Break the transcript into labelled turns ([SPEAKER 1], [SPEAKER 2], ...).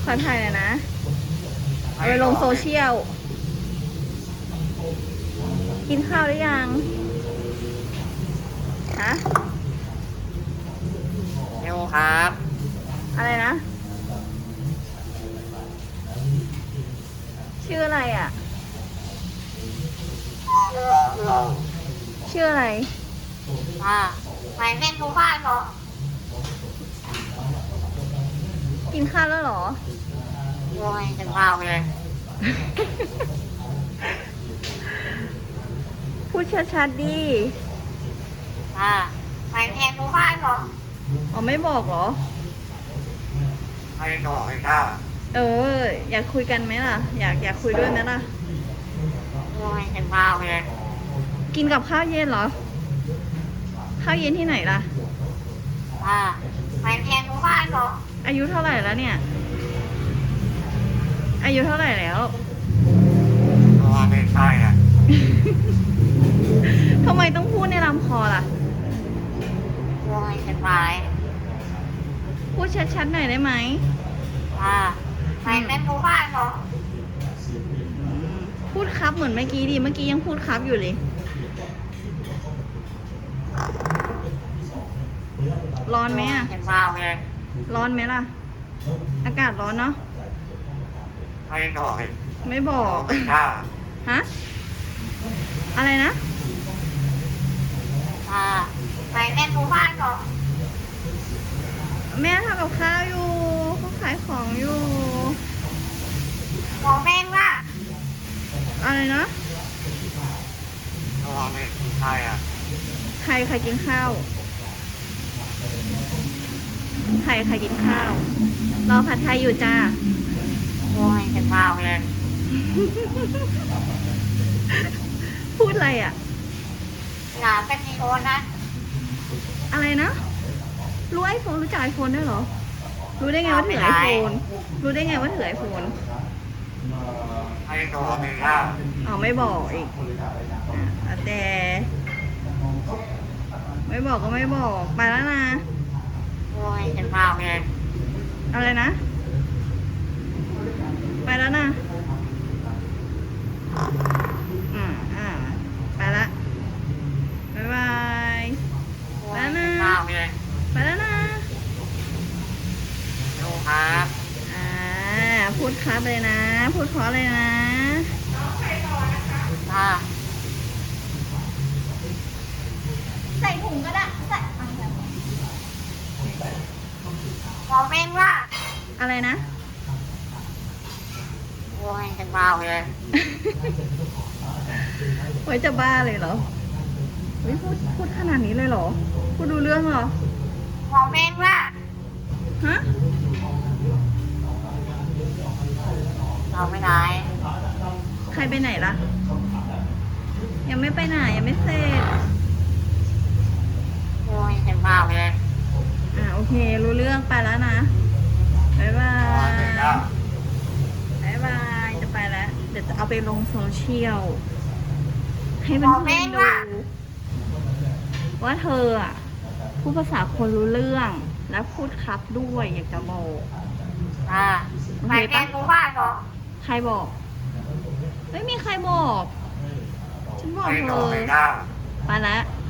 [SPEAKER 1] ขอถ่ายหน่อยนะเอาไปลงโซเชียลกินข้าวหรือยังฮะ
[SPEAKER 2] เร็วครับ
[SPEAKER 1] อะไรนะชื่ออะไรอ่ะชื่ออะไร
[SPEAKER 2] ไปเล่นดูบ้านเหรอ
[SPEAKER 1] กินข้าวแล้วเหรอ
[SPEAKER 2] โอ้ยจะข้าวเลย
[SPEAKER 1] พูดชัดๆดิ
[SPEAKER 2] ไปเล่นดูบ้านเหรอ
[SPEAKER 1] อ๋อไม่บอกเหรอ
[SPEAKER 2] ไม่บอกเลยค่ะ
[SPEAKER 1] อยากคุยกันไหมล่ะอยากคุยด้วยไหมล่ะ
[SPEAKER 2] โอ้ยจะข้าวเลย
[SPEAKER 1] กินกับข้าวเย็นเหรอข้าวเย็นที่ไหนล่ะ
[SPEAKER 2] ไปเรียนรู้บ้านเหรอ
[SPEAKER 1] อายุเท่าไหร่แล้วเนี่ยอายุเท่าไหร่แล้ว
[SPEAKER 2] ไม่ใช่อ่ะ
[SPEAKER 1] ทำไมต้องพูดในลำคอล่ะ
[SPEAKER 2] โอ้ยจะไป
[SPEAKER 1] พูดชัดๆหน่อยได้ไหม
[SPEAKER 2] ไปเรียนรู้บ้านเหรอ
[SPEAKER 1] พูดครับเหมือนเมื่อกี้ดิเมื่อกี้ยังพูดครับอยู่เลยร้อนไหมอ่ะร้อนไหมล่ะอากาศร้อนเนาะไม่บอกฮะอะไรนะ
[SPEAKER 2] ไปเล่นดูบ้านเหรอ
[SPEAKER 1] แม่ทำกับข้าวอยู่เขาขายของอยู่
[SPEAKER 2] บอกแม่ว่า
[SPEAKER 1] อะไรนะ
[SPEAKER 2] ใช่อ่ะ
[SPEAKER 1] ใครกินข้าวใครกินข้าวรอผัดไทยอยู่จ้า
[SPEAKER 2] โอ้ยจะข้าวเลย
[SPEAKER 1] พูดอะไรอ่ะ
[SPEAKER 2] หลานเป็นโอนนะ
[SPEAKER 1] อะไรนะรู้ไอโฟนรู้จักไอโฟนด้วยเหรอรู้ได้ไงว่าถือไอโฟนรู้ได้ไงว่าถือไอโฟน
[SPEAKER 2] ไม่บอกเลยค่ะ
[SPEAKER 1] ไม่บอกอีกแต่ไม่บอกก็ไม่บอกไปแล้วนะ
[SPEAKER 2] โอ้ยจะข้าวเลย
[SPEAKER 1] อะไรนะไปแล้วนะไปละบ๊ายบายไปแล้วนะไปแล้วนะ
[SPEAKER 2] ดูครับ
[SPEAKER 1] พูดครับเลยนะพูดเพราะเลยนะใส่ถุงก็ได้ใส่
[SPEAKER 2] บอกแม่ว่า
[SPEAKER 1] อะไรนะ
[SPEAKER 2] โอ้ยจะบ้าเลย
[SPEAKER 1] ไว้จะบ้าเลยเหรอพูดขนาดนี้เลยเหรอพูดดูเรื่องเหรอ
[SPEAKER 2] บอกแม่ว่า
[SPEAKER 1] ฮะ
[SPEAKER 2] เราไม่ได้
[SPEAKER 1] ใครไปไหนล่ะยังไม่ไปไหนยังไม่เสร็จ
[SPEAKER 2] โอ้ยจะบ้าเลย
[SPEAKER 1] โอเครู้เรื่องไปแล้วนะบ๊ายบายบ๊ายบายจะไปแล้วเดี๋ยวจะเอาไปลงโซเชียลให้เพื่อนๆดูว่าเธอพูดภาษาคนรู้เรื่องและพูดครับด้วยอยากจะบอก
[SPEAKER 2] ไปเรียนรู้บ้านเหรอ
[SPEAKER 1] ใครบอกไม่มีใครบอกฉันบอกเธอไปแล้ว